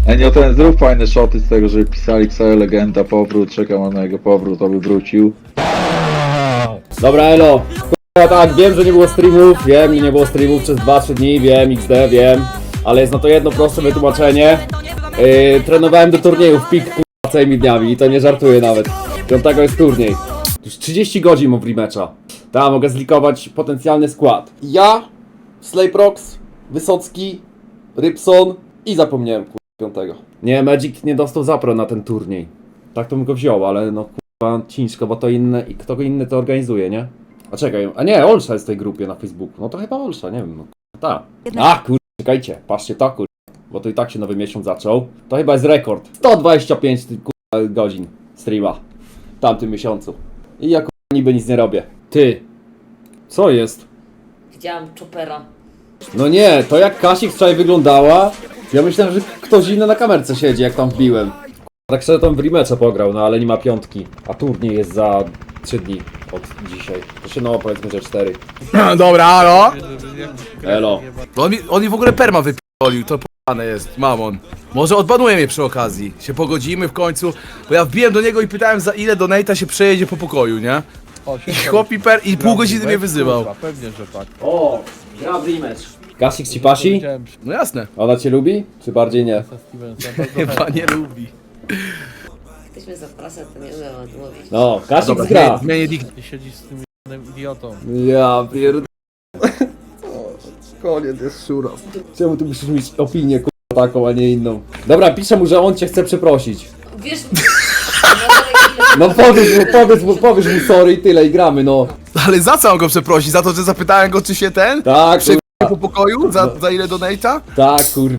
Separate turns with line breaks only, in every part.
nie, ten zrób fajne shoty z tego, że pisali Xayo Legenda, powrót, czekam na jego powrót, aby wrócił.
Dobra, elo. Ja tak, wiem, że nie było streamów, nie było streamów przez 2-3 dni, wiem, XD, wiem. Ale jest na to jedno proste wytłumaczenie. Trenowałem do turniejów pik całymi dniami i to nie żartuję nawet. 5 jest turniej. Już 30 godzin mam w rematcha. Ta, mogę zlikować potencjalny skład. Ja, Slayprox, Wysocki, Rybson i zapomniałem 5. Nie, Magic nie dostał zapro na ten turniej. Tak to bym go wziął, ale no ciężko, bo to inne i kto inny to organizuje, nie? A czekaj, a nie, Olsza jest w tej grupie na Facebooku. No to chyba Olsza, nie wiem, no ta. A czekajcie, patrzcie to bo to i tak się nowy miesiąc zaczął. To chyba jest rekord. 125 godzin streama w tamtym miesiącu. I ja niby nic nie robię. Ty, co jest?
Widziałam Chopera.
No nie, to jak Kasik wczoraj wyglądała, ja myślałem, że ktoś inny na kamerce siedzi, jak tam wbiłem. Tak szczerze tam w rematcha pograł, no ale nie ma 5. A turniej jest za 3 dni od dzisiaj. To się no powiedzmy, że 4.
Dobra, halo?
Elo.
On mi w ogóle perma wypiolił, to p***ane jest, mamon. Może odbanuje mnie przy okazji, się pogodzimy w końcu, bo ja wbiłem do niego i pytałem za ile donate'a się przejedzie po pokoju, nie? I chłop mi i pół godziny mnie wyzywał.
Pewnie, że tak.
O, gra w rematch. Kasik ci pasi?
Widziałem
No jasne,
Ona cię lubi? Czy bardziej nie?
ze Stevensem, bardzo
chyba nie lubi.
Jesteśmy za prasę, to nie umiem odmówić.
No, Kasik
Dobra,
gra.
zmienię dick.
chętnie siedzisz z tym jednym idiotą.
Ja pierd...
Koniec jest szura.
Czemu ty musisz mieć opinię taką, a nie inną? Dobra, piszę mu, że on cię chce przeprosić.
Wiesz...
No powiedz mu sorry i tyle i gramy, no.
Ale za co mam go przeprosić? Za to, że zapytałem go, czy się ten?
Tak,
Przejedzie po pokoju? Za ile donate'a?
tak, kurwa.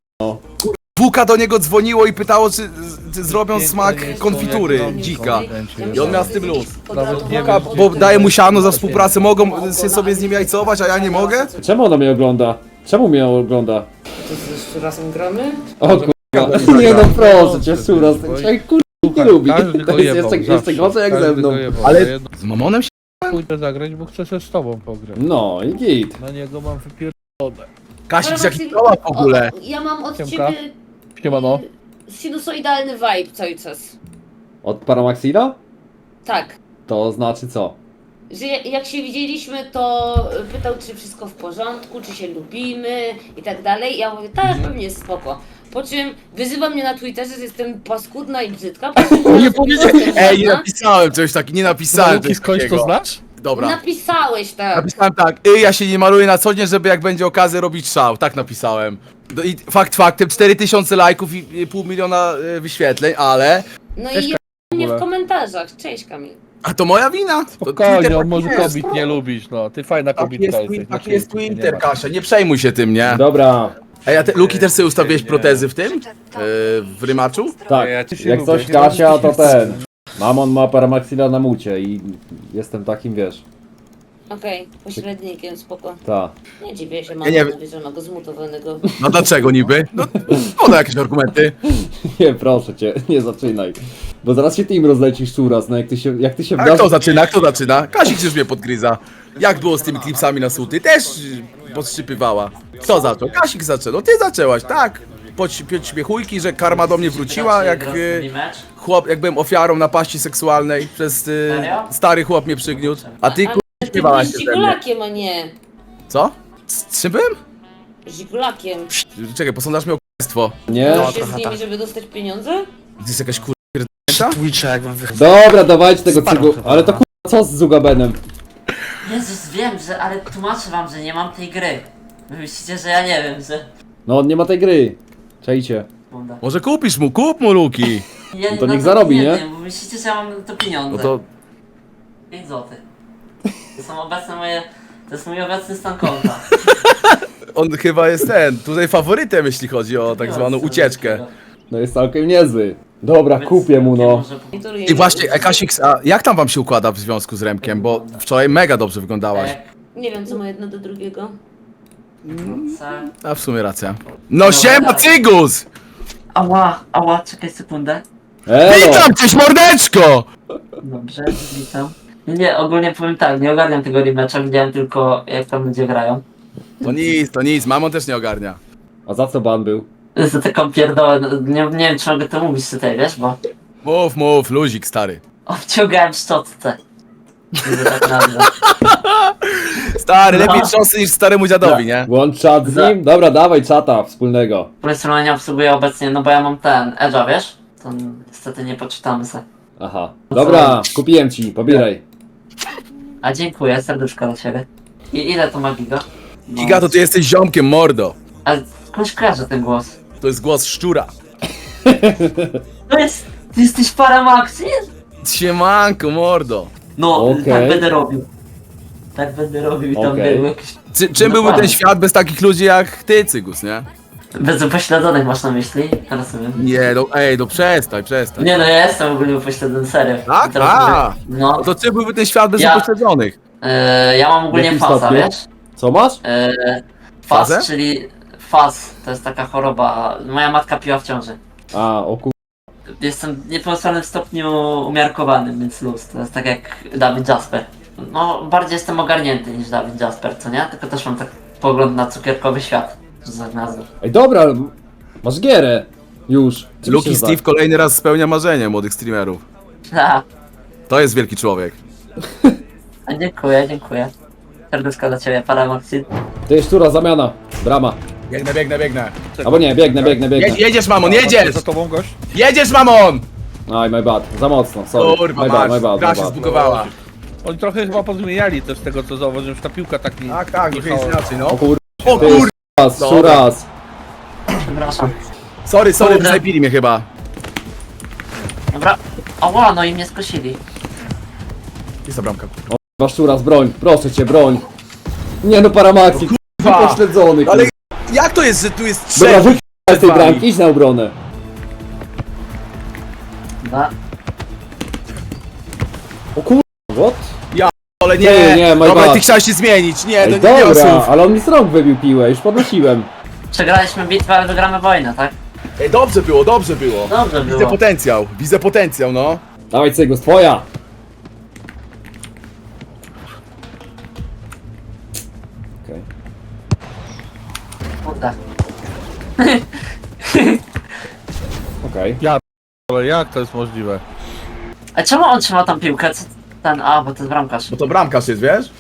Wuka do niego dzwoniło i pytało, czy zrobią smak konfitury dzika. I on miał z tym luz. Wuka, bo daje mu siano za współpracę, mogą się sobie z nim jajcować, a ja nie mogę?
Czemu ona mnie ogląda? Czemu mnie ogląda?
To jeszcze razem gramy?
O kurwa. Nie no proszę cię, Suras, ten człowiek kurwa nie lubi.
Każdy
To
go
jest
jebał,
jeszcze
zawsze.
gorzej jak ze
Każdy
mną.
go jebał.
Ale-
Jedno
Z mamonem się?
pójdę zagrać, bo chcę się z tobą pograć.
No i git.
Na niego mam wypierdolone.
Kasik, jaki trolla w ogóle.
Ja mam od
Siemka.
ciebie...
Siemano.
Sinusoidalny vibe cały czas.
Od Paramaxila?
Tak.
To znaczy co?
Że jak się widzieliśmy, to pytał, czy wszystko w porządku, czy się lubimy i tak dalej. Ja mówię, tak, pewnie jest spoko. Po czym wyzywa mnie na Twitterze, że jestem paskudna i brzydka. Po czym
Nie
ja
powiedziałem,
sobie
ej, nie
ładna.
napisałem coś takiego, nie napisałem
Luki,
czegoś
skądś to
takiego.
znasz?
Dobra,
Napisałeś tak.
napisałem tak, ja się nie maluję na co dzień, żeby jak będzie okazja robić szał, tak napisałem. I fakt faktem, 4000 lajków i pół miliona wyświetleń, ale...
No
Cześć,
i
w
mnie
ogóle.
w komentarzach. Cześć Kamil.
A to moja wina! To
Spokojnie,
Twitter
on
taki
może
jest.
kobiet nie lubisz, no. Ty fajna
Taki
kobitka
jest,
jesteś.
taki
na
jest
Twitterze, nie
Twitter,
ma.
Kasia, nie przejmuj się tym, nie?
Dobra,
Ej, a Luki też sobie ustawiłeś protezy w tym? W rymaczu?
tak.
Ja cię
Jak
lubię.
coś Kasia, to ten. Mamon ma Paramaxila na mucie i jestem takim, wiesz.
Okej, pośrednikiem, spoko.
Ta.
Nie dziwię się,
nie
mam że ma go zmutowanego.
No dlaczego niby? No, podaj jakieś argumenty.
Nie, proszę cię, nie zaczynaj. Bo zaraz się team rozlecisz Suras, no jak ty się
A kto zaczyna? Kto zaczyna? Kasik już mnie podgryza. Jak było z tymi klipsami na suty? Też podszczypywała. Kto zaczął? Kasik zaczął. No ty zaczęłaś, tak. Podśmiechujki, że karma do mnie wróciła, jak chłop, jak byłem ofiarą napaści seksualnej przez stary chłop mnie przygniótł. A ty
Ty
śpiewałaś
byłeś
się ze mnie.
żigulakiem, a nie
Co? Z czym byłem?
żigulakiem.
Czekaj, posądzasz mnie o k***stwo.
Nie?
To się z nimi, żeby dostać pieniądze?
To jest jakaś k***a?
Dobra, dawajcie tego cygu. Ale to kurwa, co z Zugabenem?
Jezus, wiem, ale tłumaczę wam, że nie mam tej gry. Wy myślicie, że ja nie wiem, że...
No on nie ma tej gry. Czajcie.
Bunda.
Może kup mu Luki.
Ja
No to niech zarobi, nie?
Wiem, bo myślicie, że ja mam to pieniądze.
No to
5 złotych. To są obecne moje... To jest mój obecny stan konta.
on chyba jest tutaj faworytem, jeśli chodzi o tak zwaną ucieczkę.
No jest całkiem niezły. Dobra,
Więc
kupię mu no.
może-
I właśnie, Kasik, a jak tam wam się układa w związku z Remkiem? Bo wczoraj mega dobrze wyglądałaś.
Jak...
Nie wiem, co ma jedno do drugiego.
Co?
A w sumie racja. No siema, Cygus!
Ała, czekaj sekundę.
Elo!
Witam cię, mordeczko!
Dobrze, witam. Nie, ogólnie powiem tak, nie ogarniam tego rematcha, widziałem tylko jak tam ludzie grają.
To nic, mamon też nie ogarnia.
A za co ban był?
Za taką pierdołę, no, nie wiem czy mogę to mówić tutaj, wiesz, bo
Mów, luzik stary.
obciągałem szczotce. Że tak nazwę.
Stary,
No.
lepiej trząsy niż staremu dziadowi, nie?
Łącz czat z nim? Dobra, dawaj czata wspólnego.
Powiedzmy, nie obsługuję obecnie, no bo ja mam ten Edge'a, wiesz? To niestety nie poczytamy se.
Aha. Dobra, kupiłem ci, pobieraj.
A dziękuję, serduszko dla ciebie. I ile to ma giga? No.
Giga, to ty jesteś ziomkiem, mordo.
Ale skądś kojarzę ten głos?
To jest głos szczura.
Ty jesteś Paramaxi?
Siemanko, mordo.
No,
Okej.
tak będę robił. Tak będę robił i tam
Okej.
był jakiś...
Czym byłby ten
Dokładnie.
świat bez takich ludzi jak ty, Cygus, nie?
Bez upośledzonych masz na myśli? Rozumiem.
Nie, no ej, no przestań.
Nie no, ja jestem ogólnie upośledzony, serio.
Tak?
I teraz
A.
mówię- No,
No to czym byłby ten świat bez
Ja-
upośledzonych?
ja mam ogólnie
jakim
fasa,
stopniu?
wiesz?
Co masz?
Faz,
Fazę?
czyli faz, to jest taka choroba. Moja matka piła w ciąży.
A, o kur...
Jestem w niepełnosprawnym stopniu umiarkowanym, więc luz. To jest tak jak Dawid Jasper. No, bardziej jestem ogarnięty niż Dawid Jasper, co nie? Tylko też mam tak pogląd na cukierkowy świat, że tak nazwę.
Ej, dobra, masz gierę. Już. Czym
Luki
się
Steve kolejny raz spełnia marzenie młodych streamerów.
Ha,
To jest wielki człowiek.
a dziękuję. Serduszko dla ciebie, Paramaxi.
Ty, szczura, zamiana. Brama.
Biegnę.
Albo nie, biegnę.
Jedziesz, mamon, jedziesz!
Za tobą gość?
Jedziesz, mamon!
Aj, my bad. Za mocno, sorry.
Kurwa,
my bad.
gra się zbugowała.
Oni trochę chyba pozmieniali też z tego co zauważyłem, że ta piłka tak nie...
Tak, trochę jest
jechała.
inaczej, no.
O kur...
O
Ty,
kur...
raz,
Dobra.
szuras.
Przepraszam.
Sorry,
Kurde.
wysnajpili mnie chyba.
Dobra. Ała, no i mnie skosili.
Jest ta bramka.
Masz szuras, broń. Proszę cię, broń. Nie no, Paramaxi.
kurwa.
Pośledzony.
Ale jak to jest, że tu jest
Dobra,
trzech?
wyjdź z tej
wami.
bramki, idź na obronę.
Dobra.
O kur... What?
Ale
Nie, my
Dobra,
bad.
ty chciałeś się zmienić. Nie,
Ej,
to nie
dobra,
osób.
ale on mi z rąk wybił piłę, już podnosiłem.
Przegraliśmy bitwę, ale wygramy wojnę, tak?
Ej, dobrze było.
Dobrze
Widzę
było.
potencjał, no.
Dawaj, Cygus, twoja. Okej.
Kurde.
Okej.
Ale jak to jest możliwe?
A czemu on trzyma tą piłkę? Co ten... A, bo to jest bramkarz.
Bo to bramkarz jest, wiesz?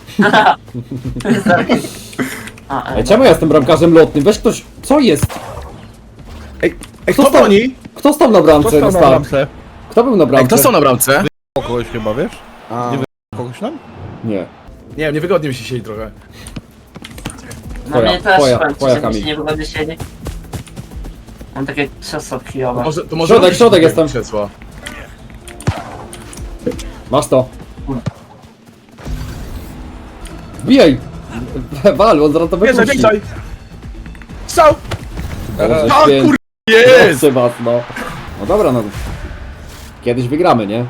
A,
Ej, czemu ja jestem bramkarzem lotnym? Weź ktoś... Co jest?
Ej,
Kto
kto
stał-
broni?
Kto stał na bramce?
Kto stał
na
na
start?
bramce?
Kto był na
Ej,
bramce?
kto są na bramce?
O kogoś chyba, wiesz?
A.
Nie kogoś tam?
Nie.
Nie wiem, niewygodnie mi się siedzi trochę.
No mnie też
twoja,
powiem ci,
twoja,
że mi się
Kamil.
nie wygodnie siedzi. Mam takie krzesło kijowe.
To może
Środek,
robić
środek
takie
jestem.
krzesło.
Masz to. Wbijaj! Wal, on zaraz to
Bierzaj,
wypuści.
bierzaj! Strzał!
Boże
O
święty.
kur... Jest!
Proszę was, no. No dobra, no. Kiedyś wygramy, nie?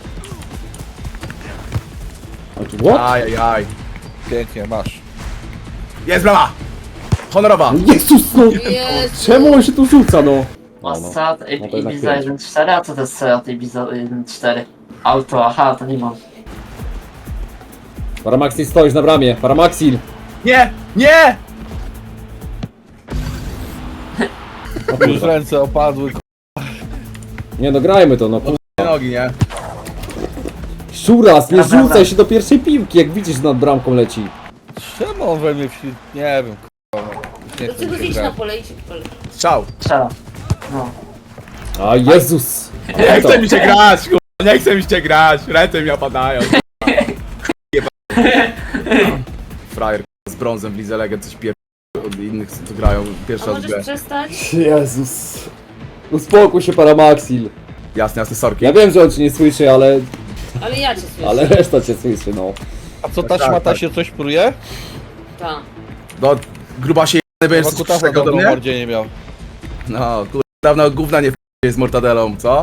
What?
Ajajaj.
Pięknie, masz.
Jest brama! Honorowa!
Jezus, no!
Jezu.
Czemu on się tu rzuca, no? No, no.
Passat,
No to jednak
Ibiza
pięć.
1.4, a co to jest Seat Ibiza 1.4? Auto, aha, to nie mam.
Paramaxil, stoisz na bramie. Paramaxil!
Nie! Nie!
O
Już
kurwa.
ręce opadły.
Nie no, grajmy to, no.
Nogi, nie?
Szuras, nie
Dobra,
rzucaj się do pierwszej piłki, jak widzisz, że nad bramką leci.
Czemu on we mnie wsi... Nie wiem, k***a. Nie
Do
chcę
czego
mi się
iść na
grać.
pole, idź w pole.
Strzał!
Strzela. No.
A Jezus!
Nie chce mi się grać, kurwa! Nie chce mi się grać! Ręce mi opadają. Frajer z brązem w Lidze Legend coś pier... od innych, co tu grają pierwszy
A
raz w
możesz
grę.
przestać?
Jezus! Uspokój się, Paramaxil.
Jasne, sorki.
Ja wiem, że on cię nie słyszy, ale
Ale ja cię słyszę.
ale reszta cię słyszy, no.
A co ta
Tak,
szmata
tak.
się coś pruje?
Tak.
No, gruba się będziesz
Chyba
coś
kutasa
czego do
dobrą
mnie?
mordzie nie miał.
No, kurwa, dawno gówna nie z mortadelą, co?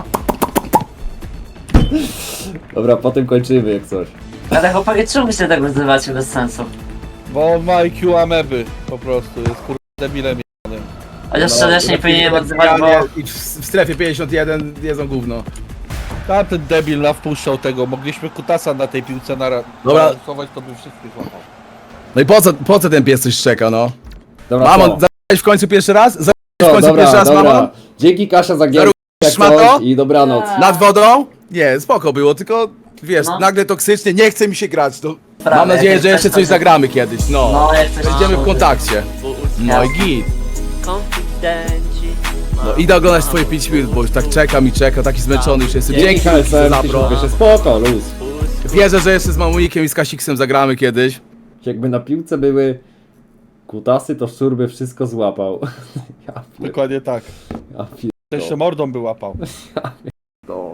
Dobra, potem kończymy jak coś.
Ale chłopaki, czemu się tak wyzywacie bez sensu?
Bo on ma IQ ameby, po prostu, jest kurwa debilem jebanym.
Chociaż szczerze nie powinienem odzywać, bo...
I w strefie 51 jedzą gówno.
A ten debil nawpuszczał tego, mogliśmy kutasa na tej piłce
Dobra.
narysować, to by wszystkich złapał.
No i po co ten pies coś szczeka, no?
Dobra,
Mamo,
co?
zabrałeś w końcu pierwszy raz? w końcu pierwszy raz mamą?
Dzięki Kasia za gierkę, jak
szmato?
coś i dobranoc.
Nad wodą? Nie, spoko było, tylko wiesz,
No.
nagle toksycznie, nie chce mi się grać. To
Prawie,
mam nadzieję,
jak
że jeszcze
coś
coś
tam-
zagramy kiedyś, no.
No, jak coś
Będziemy w
tam-
kontakcie. No i git.
Konfidenci.
No idę oglądać twoje 5 minut, bo już tak czekam i czekam, taki zmęczony już jestem.
Dzięki
Dzięki za
KSM,
zapro.
jeszcze spoko, luz.
Wierzę, że jeszcze z Mamunikiem i z Kasiksem zagramy kiedyś.
Jakby na piłce były kutasy, to szczur by wszystko złapał. Ja
Dokładnie tak. Jeszcze mordą by łapał.
pierdolę.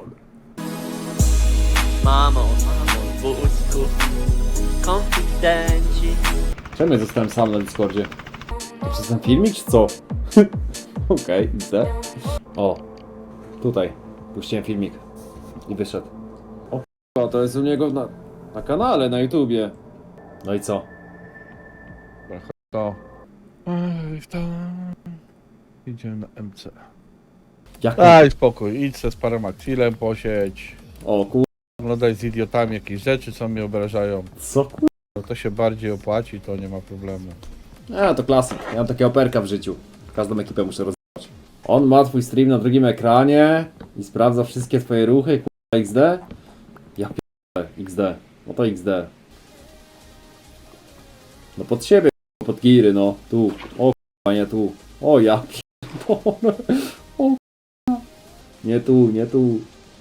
Mamo, w łóżku. Konfidenci.
Czemu ja zostałem sam na Discordzie? To przez ten filmik, czy co? Okej, widzę. O, tutaj. Puściłem filmik. I wyszedł. O k***a, to jest u niego na kanale, na YouTubie. No i co?
To. Idziemy na MC.
Jak
Daj spokój, idź se z paroma chwilem posiedź.
O kur...
Oglądaj z idiotami jakieś rzeczy, co mnie obrażają.
Co kur...
No to się bardziej opłaci, to nie ma problemu.
To klasyk. Ja mam takiego operka w życiu. Każdą ekipę muszę rozwiązać. On ma twój stream na drugim ekranie i sprawdza wszystkie twoje ruchy, kurwa XD? Ja p***e, XD. No to XD. No pod siebie, kurwa, pod giry, no. Tu. O kurwa, nie tu. O ja p***e. O kurwa. Nie tu, nie tu.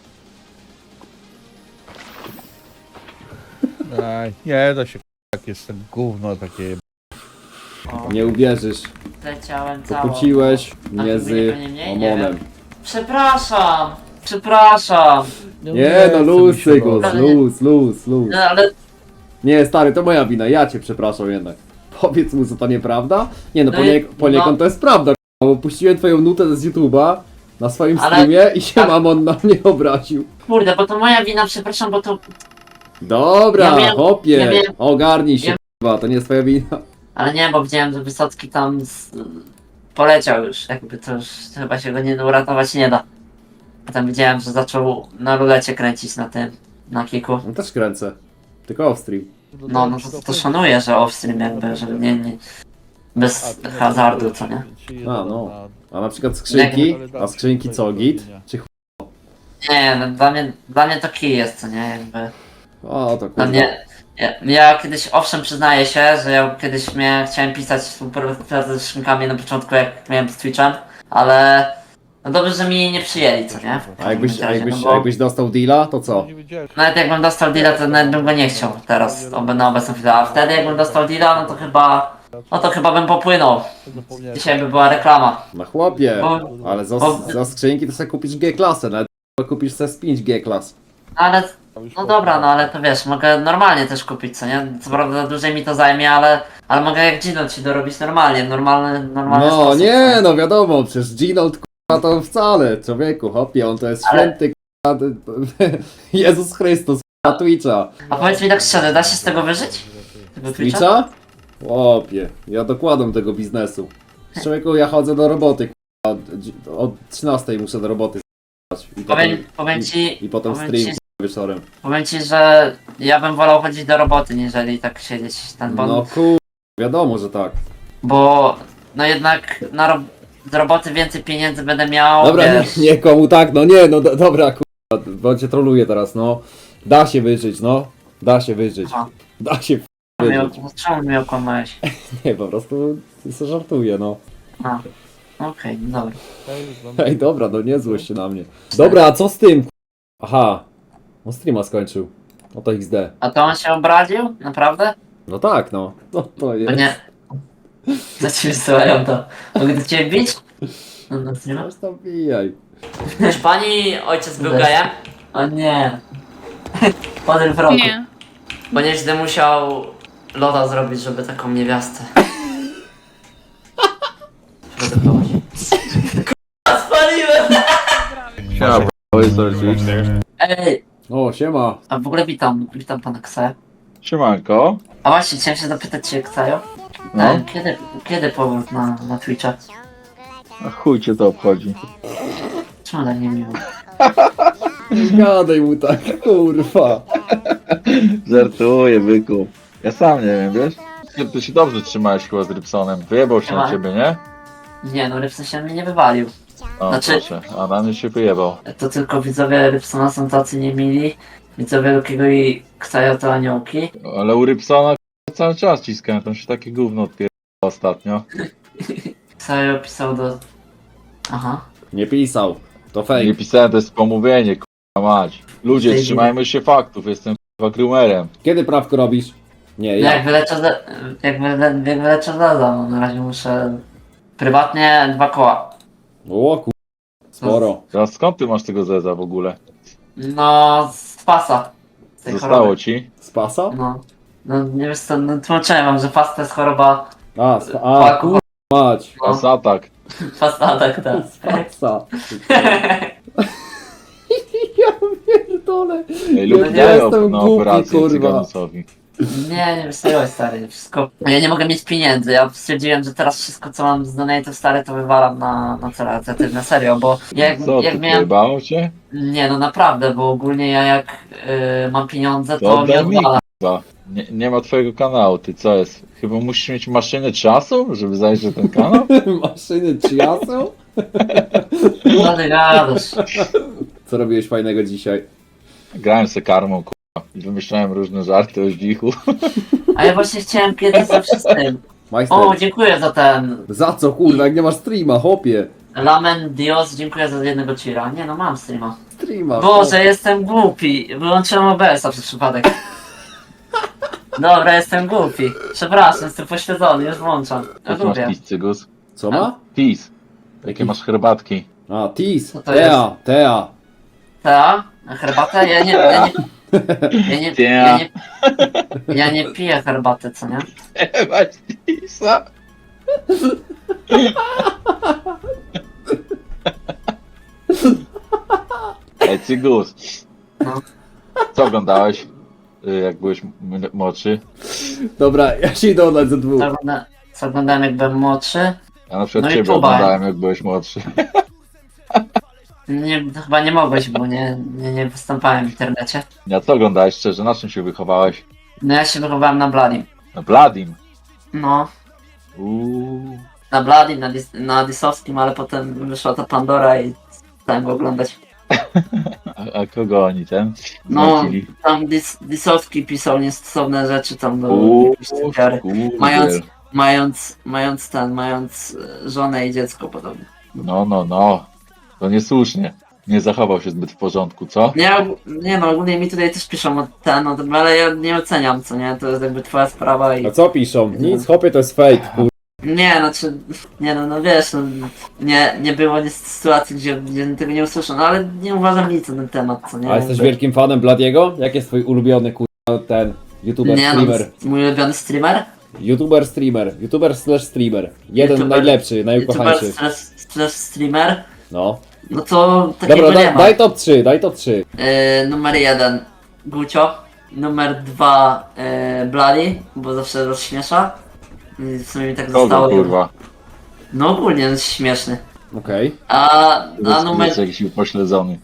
Aj, nie da się, jak jest ten gówno takie.
O,
Nie uwierzysz.
leciałem cało.
Pokłóciłeś
A
mnie
ty
z
mnie nie, nie
Omonem.
Przepraszam, przepraszam.
Nie no, luz,
chce mi się
Cygus,
robić.
luz.
No ale
Nie, stary, to moja wina, ja cię przepraszam jednak. Powiedz mu, co to nieprawda? Nie no,
No i-
poniekąd
no.
to jest prawda, bo puściłem twoją nutę z YouTube'a na swoim
Ale-
streamie i się
tak.
mamon na mnie obraził.
kurde, bo to moja wina, przepraszam, bo to...
Dobra,
Ja miałem-
hopie,
ja miałem-
ogarnij się,
ja-
k***a, to nie jest twoja wina.
Ale nie, bo widziałem, że Wysocki tam poleciał już, jakby to już chyba się go nie uratować nie da. Potem widziałem, że zaczął na rulecie kręcić na tym, na kiku.
No też kręcę, tylko off-stream.
No to szanuję, że off-stream jakby, że nie bez hazardu, co nie?
A, no. A na przykład skrzynki, a skrzynki co, git? Czy ch...
Nie, no dla mnie to kij jest, co nie, jakby.
O, to
Dla
kurwa.
mnie, ja kiedyś, owszem, przyznaję się, że ja kiedyś chciałem pisać współpracę ze skrzynkami na początku, jak miałem z Twitchem, ale no dobrze, że mi nie przyjęli, co nie?
A jakbyś,
No bo
jakbyś dostał deala, to co?
Nie wiedziałem,
nawet jakbym dostał deala, to nawet bym go nie chciał teraz, na obecną chwilę, a wtedy jakbym dostał deala, no to chyba bym popłynął.
zapomniałem.
Dzisiaj by była reklama.
Na chłopie,
Bo-
ale za,
bo-
za skrzynki to sobie kupisz G-klasę, nawet kupisz sobie z 5 G-klas.
Ale, no dobra, no ale to wiesz, mogę normalnie też kupić, co nie? Co prawda dłużej mi to zajmie, ale mogę jak Gino ci dorobić normalnie, w normalny
No
sposób.
nie,
co
no wiadomo, przecież Ginold k***a to wcale, człowieku, hopie, on to jest
Ale-
święty k***a, Jezus Chrystus k***a Twitcha.
A powiedz mi tak szczerze, da się z tego wyżyć? Tego Twitcha?
Twitcha? Chłopie, ja dokładam tego biznesu. Człowieku, ja chodzę do roboty k***a, od 13 muszę do roboty s***ać. I
Powiem ci,
i potem
powiem
stream
ci-
k***a, wieczorem.
powiem ci, że ja bym wolał chodzić do roboty, niżeli tak siedzieć ten bon,
No kur... wiadomo, że tak.
bo no jednak z roboty więcej pieniędzy będę miał,
Dobra,
wiesz,
nie komu tak, no nie, no dobra k***a, bo cię troluję teraz, no. Da się wyżyć, no. Da się wyżyć.
Aha.
Da się wyżyć.
czemu mnie okłamałeś?
Nie, po prostu sobie żartuję, no.
A, okej, no dobra.
Ej, dobra, no nie złość się na mnie. Dobra, a co z tym? Aha, on streama skończył. No to XD.
A to on się obraził? Naprawdę?
No tak, no. No to
To
jest.
nie. Za ci wysyłają to. Mogę do ciebie bić? No nie ma.
Aż tam bijaj.
Czy pani ojciec był gejem? O nie. Podryw roku.
Nie.
Bo nieźle musiał loda zrobić, żeby taką niewiastę. Wydobyło się. Kurwa, spaliłem!
Siema,
Ej,
O, siema.
a w ogóle witam pana Ksaja.
Siemanko.
A właśnie, chciałem się zapytać cię, Ksajo.
No.
Kiedy powrót na Twitcha?
A chuj cię to obchodzi.
Czemu tak nie miło?
Nie gadaj mu tak, kurwa.
Żartuję, byku. Ja sam nie wiem, wiesz? Ty się dobrze trzymałeś chyba z Rybsonem. Wyjebał się na
Siema.
ciebie, nie?
Nie no, Rybson się mnie nie wywalił.
O,
Znaczy-
proszę, a na mnie się wyjebał.
To tylko widzowie Rybsona są tacy niemili. Widzowie Lukiego i Ksaja to aniołki.
Ale u Rybsona cały czas ciskałem, tam się takie gówno odpierdala ostatnio.
Ksajo pisał do... Aha.
Nie pisał. To
Nie
fake.
pisałem, to jest pomówienie, k***a mać. Ludzie,
Zajmie.
trzymajmy się faktów, jestem k***a grumerem.
Kiedy prawko robisz? Nie,
No jak
ja.
wyleczę Zaza, no na razie muszę... Prywatnie 2 koła.
O kur... Sporo.
Teraz skąd ty masz tego zeza w ogóle?
No, z pasa. Z tej
Zostało
choroby.
ci?
Z pasa?
No. No nie wiesz co, no tłumaczyłem wam, że fast to jest choroba...
A, kur... mać.
No,
Pas atak.
fast atak, tak.
Z pasa. Ja pierdolę.
Ej, lub
Ja
nie
jestem
na
głupi,
operację
kurwa.
cyganusowi.
Nie wysyłaj stary, wszystko. Ja nie mogę mieć pieniędzy. Ja stwierdziłem, że teraz wszystko co mam z donate'ów stare to wywalam na cele charytatywne, serio, bo
Co,
jak
ty
miałem.
pojebało cię?
Nie no naprawdę, bo ogólnie ja jak mam pieniądze
To
to mi
oddaj mi,
odwala.
kurwa. Nie ma twojego kanału, ty co jest? Chyba musisz mieć maszynę czasu, żeby zajrzeć na ten kanał?
Maszyny Chiasu?
No ty gadasz.
Co robiłeś fajnego dzisiaj?
Grałem se karmą, kurwa. I wymyślałem różne żarty o zdzichu.
A ja właśnie chciałem kiedyś ze wszystkim.
Majster.
O, dziękuję za ten.
Za co kurwa, jak nie masz streama, hopie?
Lamen Dios, dziękuję za jednego cheera. Nie no, mam streama.
Streama.
Boże, jestem głupi. Wyłączyłem OBS-a przez przypadek. Dobra, jestem głupi. Przepraszam, jestem pośledzony, już włączam. Ja
Jaki masz
lubię.
pis, cygus?
Co ma?
Pis. Jakie masz herbatki?
A, Tis.
Co to
Tea, Tea.
Ta? Herbatę? Ja nie piję herbaty, co nie?
Masz pisa? Ej, cygus.
No.
Co oglądałeś, jak byłeś młodszy?
Dobra, ja się idę oddać ze dwóch.
Co oglądałem jak byłem młodszy?
Ja na przykład
No i
ciebie
próbałem.
oglądałem, jak byłeś młodszy.
Nie, chyba nie mogłeś, bo nie występowałem w internecie.
Ja co oglądałeś szczerze? Na czym się wychowałeś?
No ja się wychowałem na Bladim.
Na Bladim.
No,
Uuu.
na Bladim, na Disowskim, ale potem wyszła ta Pandora i stałem go oglądać.
A kogo oni ten?
No,
Zlecili?
tam Disowski pisał niestosowne rzeczy tam do
Uuu,
jakiejś ofiary.
kurde.
Mając żonę i dziecko podobnie.
No. To niesłusznie. Nie zachował się zbyt w porządku, co?
Nie no, ogólnie mi tutaj też piszą o tym, ale ja nie oceniam, co nie, to jest jakby twoja sprawa i...
A co piszą? Nic, hopie, to jest fake, kur...
Nie, znaczy, no wiesz, no, nie było sytuacji, gdzie tego nie usłyszą, no ale nie uważam nic na ten temat, co nie.
A jesteś
Jakby-
wielkim fanem Bladiego? Jak jest twój ulubiony ten YouTuber
Nie no,
streamer?
mój ulubiony streamer?
YouTuber slash streamer. Jeden
YouTuber-
najlepszy,
YouTuber
najukochańszy.
slash streamer?
No.
No to takiego
Dobra,
nie ma.
daj top 3, daj top 3.
Numer 1 Gucio, numer 2 Bloody, bo zawsze rozśmiesza. I w sumie mi tak
Kogo,
zostało.
kurwa?
No ogólnie jest śmieszny.
Okej.
A numer...
Jest jakiś upośledzony.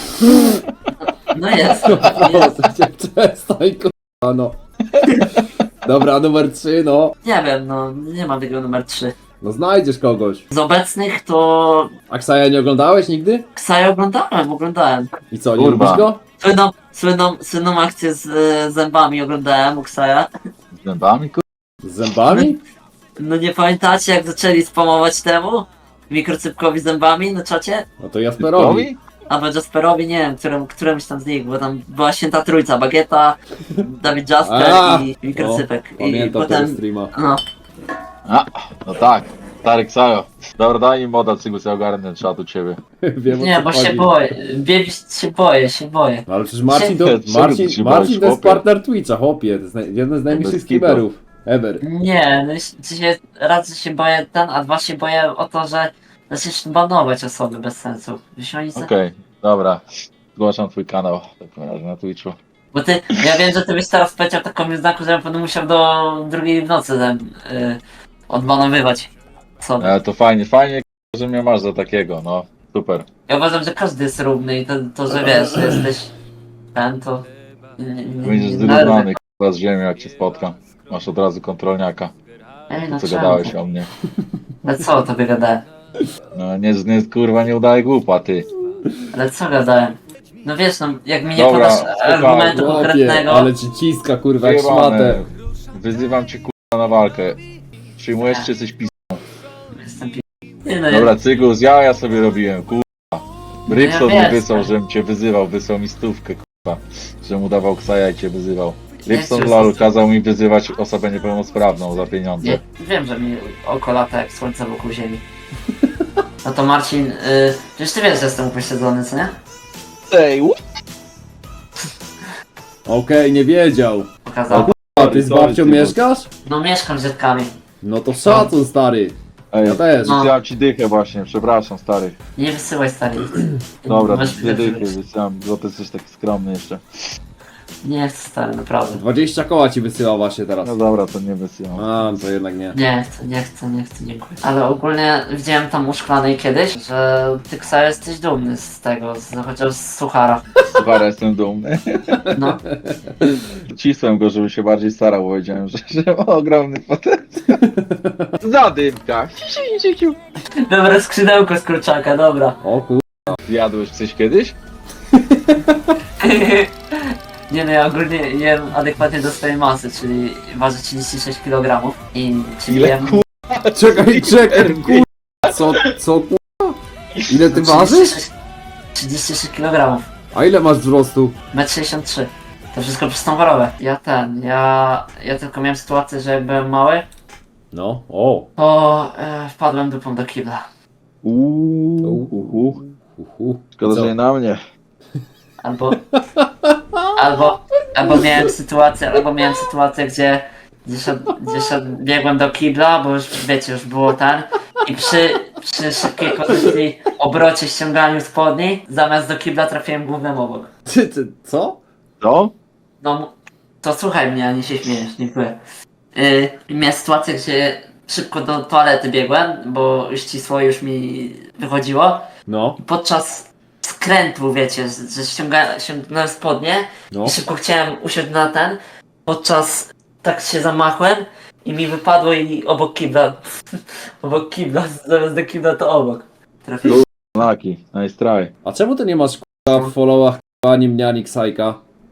No jest.
Proszę cię, przestań, kurwa, no. Dobra, numer 3, no.
Nie wiem, no nie ma tego numer 3.
No znajdziesz kogoś.
Z obecnych to...
Aksaja nie oglądałeś nigdy?
Ksaja oglądałem.
I co, nie
Kurwa.
lubisz go?
Słynną akcję z zębami oglądałem u Ksaja.
Z zębami, kurwa?
Z zębami?
No nie pamiętacie jak zaczęli spamować temu? Mikrocypkowi zębami na czacie?
No to Jasperowi.
Typowi?
Albo Jasperowi, nie wiem, którymś tam z nich, bo tam była święta trójca, Bagieta, Dawid Jasper
A,
i Mikrocypek. I
Pamiętam tego
potem,
streama.
no,
No tak. Stary Ksajo. Dobra, daj mi moda, cygus, ja ogarnę czat u ciebie.
Wiem, o
nie,
co
bo
chodzi.
się boję, się boję.
No ale przecież Marcin to,
Czego ty się
Marcin
boisz,
to jest
chłopie?
partner Twitcha, chłopie. To jest jeden z najmniejszych
Bez kitu.
streamerów ever.
Nie, no raz, że się boję a dwa się boję o to, że zaczniesz banować osoby bez sensu. Wiesz, oni
Okej, dobra. Zgłaszam twój kanał w takim razie na Twitchu.
Bo ja wiem, że ty byś teraz powiedział taką znaku, że ja będę musiał do drugiej w nocy odbanowywać sobie.
To fajnie, że mnie masz za takiego, no. Super.
Ja uważam, że każdy jest równy i to że wiesz, że jesteś ten, to...
Będziesz zrównany, kurwa, z ziemią, jak cię spotkam. Masz od razu kontrolniaka.
Ej, no
Co
czemu?
gadałeś o mnie.
Ale co o tobie gadałem?
No nie kurwa nie udaje głupa, ty.
Ale co gadałem? No wiesz, no jak mi nie
Dobra,
podasz
słuchaj,
argumentu
Chłopie,
konkretnego...
ale ci ciska kurwa jak
Wyjebane.
szmatę.
Wyzywam cię kurwa na walkę. Przyjmujesz czy coś pis...
Jestem nie, no,
Dobra, cygus, ja sobie robiłem, kurwa. Rybson
ja
mi
wiem.
wysłał, żebym cię wyzywał, wysłał mi stówkę, kurwa. Że mu dawał ksaja i cię wyzywał. Rybson
cię
lol
wysłał.
kazał mi wyzywać osobę niepełnosprawną za pieniądze.
Nie, wiem, że mi oko lata jak słońce wokół ziemi. No to Marcin, przecież ty wiesz, że jestem upośledzony, co nie?
Ej,
Okej, nie wiedział.
Pokazał.
A ty z
Sorry,
babcią
ty, bo-
mieszkasz?
No mieszkam z dziadkami.
No to szacun stary.
Ej,
Ja też.
No.
wysyłam ci dychę właśnie, przepraszam stary.
Nie wysyłaj stary.
Dobra,
Weź
dwie dychy
wysyłać.
wysyłam, bo ty jesteś taki skromny jeszcze.
Nie chcę stary, naprawdę.
20 koła ci wysyła właśnie teraz.
No dobra, to nie wysyłam.
A, to jednak nie.
Nie chcę, dziękuję. Ale ogólnie widziałem tam u Szklanej kiedyś, że ty Ksa jesteś dumny z tego, chociaż z suchara.
Super, jestem dumny.
No,
Cisłem go, żeby się bardziej starał, bo wiedziałem, że ma ogromny potencjał. Zadymka.
dobre skrzydełko z kurczaka, dobra.
O kur...
Jadłeś coś kiedyś?
Nie no, ja ogólnie jem adekwatnie do swojej masy, czyli ważę 36 kg i czyli
Ile,
jem...
Czekaj, kur... Co kur... Ile ty ważysz?
36 kg.
A ile masz wzrostu?
1,63 m. To wszystko przez tą chorobę. Ja tylko miałem sytuację, że jak byłem mały,
No, o.
to wpadłem dupą do kibla.
Szkoda,
Co?
że nie na mnie.
Albo miałem sytuację, gdzie biegłem do kibla, bo już wiecie, już było ten i przy szybkiej pozycji obrocie ściąganiu spodni, zamiast do kibla trafiłem głównym obok.
Ty, co?
Co?
No, to słuchaj mnie, a nie się śmiejesz, dziękuję. Miałem sytuację, gdzie szybko do toalety biegłem, bo ścisło już mi wychodziło.
No,
Podczas skrętu, wiecie, że ściągnąłem spodnie
no.
i szybko chciałem usiąść na ten, podczas tak się zamachłem i mi wypadło i obok kibla, obok kibla, zamiast do kibla to obok. Trafiłem.
Laki, nice try.
A czemu ty nie masz k***a w followach k***a ani mnie, ani Ksajka?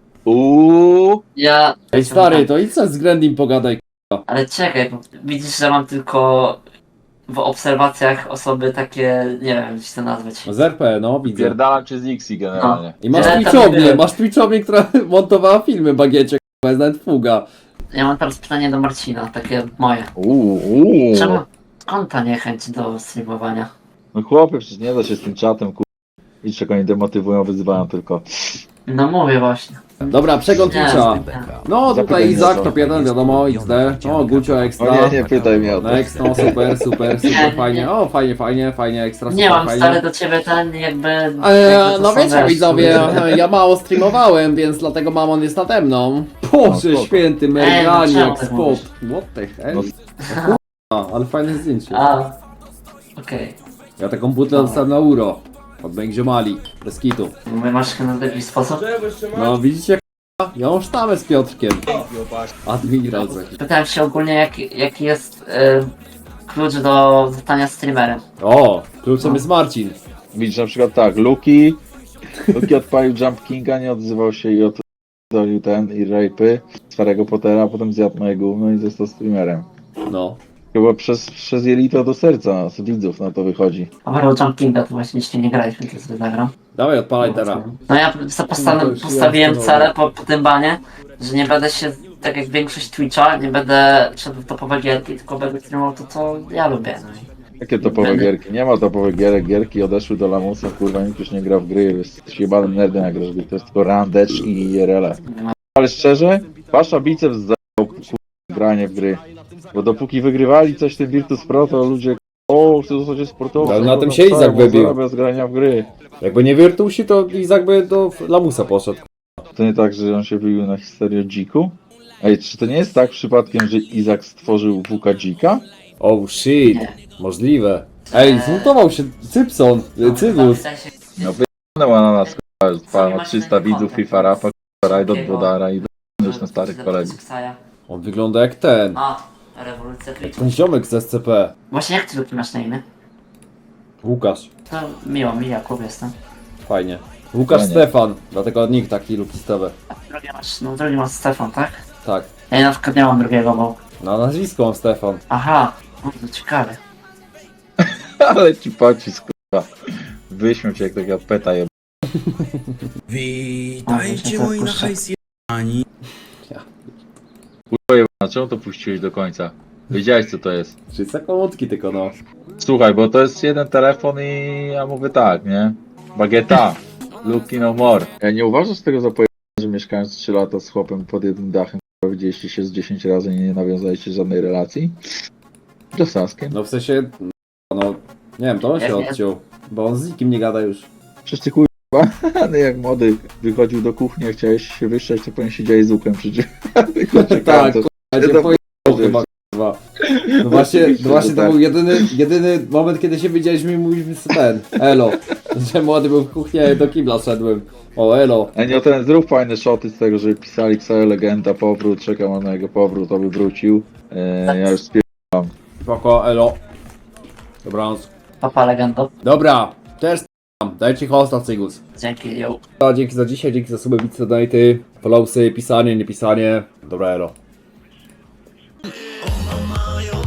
Ja...
Ej stary, to idź sobie z Grandim pogadaj.
Ale czekaj, bo widzisz, że mam tylko w obserwacjach osoby takie, nie wiem, jak to nazwać.
Z RP, no widzę.
Pierdalam cię z Nixi generalnie.
I masz
Tyle tam
Twitchownię,
było.
masz Twitchownię, która montowała filmy bagiecie, k***a, jest nawet fuga.
Ja mam teraz pytanie do Marcina, takie moje. Czemu? Skąd ta niechęć do streamowania?
No chłopie, przecież nie da się z tym czatem, Idź, czego oni demotywują, wyzywają tylko.
No mówię właśnie.
Dobra, przegląd Twitcha. No tutaj
Zapytaj
Izak,
mnie,
top
co?
1, wiadomo, XD. O, Gucio ekstra.
O nie pytaj mnie o to.
Next, no super, fajnie. O, fajnie, ekstra,
Nie
super,
mam
fajnie.
stary do ciebie ten jakby...
No wiecie widzowie, ja mało streamowałem, więc dlatego mamon jest nade mną. Boże
spoko.
święty,
czemu
Merganiak,
tak
spot.
mówisz?
What the hell?
No.
Kurwa, ale fajne zdjęcie.
A, okej.
Ja taką butlę dostałem na euro. Od moich ziomali, bez kitu.
Mówię masz na jakiś sposób?
No widzicie, k***a? Ja mam sztamę z Piotrkiem. Admiral taki.
Pytałem się ogólnie jaki jest klucz do zostania streamerem.
O, kluczem jest Marcin.
Widzisz na przykład tak, Luki odpalił Jump Kinga, nie odzywał się i oddolił ten i rapy z Harry'ego Pottera, a potem zjadł moje gówno i został streamerem.
No.
Chyba przez jelito do serca nas, widzów na to wychodzi.
A propos Jump Kinga to właśnie jeszcze nie graliśmy, to sobie zagram.
Dawaj, odpalaj teraz.
No ja
to już
postawiłem
jasne,
cele po tym banie, że nie będę się, tak jak większość Twitcha, nie będę szedł w topowe gierki, tylko będę streamował to, co ja lubię. No i
Jakie topowe gierki? Nie ma topowych gierek, gierki odeszły do lamusa, kurwa, nikt już nie gra w gry, jesteś jebanym nerdem jak grasz w gry, to jest tylko randecz i IRL.
nie ma.
Ale szczerze, Pasza biceps za granie w gry. Bo dopóki wygrywali coś w tym Virtus Pro, to ludzie chcę zostać sportowcem.
Ale na tym się Izak wybił.
Bez grania w gry.
Jakby nie Virtusi, to Izak by do Lamusa poszedł.
To nie tak, że on się wybił na historię o dziku? Ej, czy to nie jest tak przypadkiem, że Izak stworzył WK dzika?
Oh shit, możliwe. Ej, zmutował się Cypson, Cybus.
No wyjechała na nas, kurwa, 300 widzów, FIFA Rapa, Rajdot, Bodara i już na starych kolegów.
On wygląda jak ten.
A, Rewolucja Twitcha.
Ten ziomek z SCP.
Właśnie jak ty Luki masz na imię?
Łukasz.
To miło mi, Jakub jestem.
Fajnie. Łukasz
Fajnie.
Stefan, dlatego nikt taki lukistowy.
A drugi masz Stefan, tak?
Tak.
Ja na przykład nie mam drugiego, bo...
Na nazwisko mam Stefan.
Aha, to ciekawe.
Ale ci pocisk, kurwa. Wyśmiał cię jak taka peta jeb...
Witajcie moi na hajs
A czemu to puściłeś do końca? Wiedziałeś co to jest?
Czyli sekundki tylko no.
Słuchaj, bo to jest jeden telefon i ja mówię tak, nie? Bagieta, Luki no more. Ja nie uważasz tego za pojęcie, że mieszkając 3 lata z chłopem pod jednym dachem, widzieliście się z 10 razy i nie nawiązaliście żadnej relacji? Do Saskiem?
No w sensie, no nie wiem, to on się
Jak nie?
odciął. Bo on z nikim nie gada już.
Przecież ty kurwa, no jak młody wychodził do kuchni, a chciałeś się wyszczać, to powinien siedzieć z łukiem przecież.
Tak, kurwa, nie pojechał chyba, kurwa. No właśnie to był jedyny moment, kiedy się widzieliśmy i mówiliśmy sobie ten, elo. Że młody był w kuchni, a ja do kibla szedłem. O, elo.
A nie, ten zrób fajne shoty z tego, że pisali Xayo Legenda, powrót, czekam na jego powrót, aby wrócił. Ja już spieram.
Spoko, elo. Dobranoc.
Papa legendo.
Dobra, też dajcie hosta, Cygus.
Dzięki, yo.
No, dzięki za dzisiaj, dzięki za suby, widzę, donaty, followsy, pisanie, niepisanie. Dobra, elo.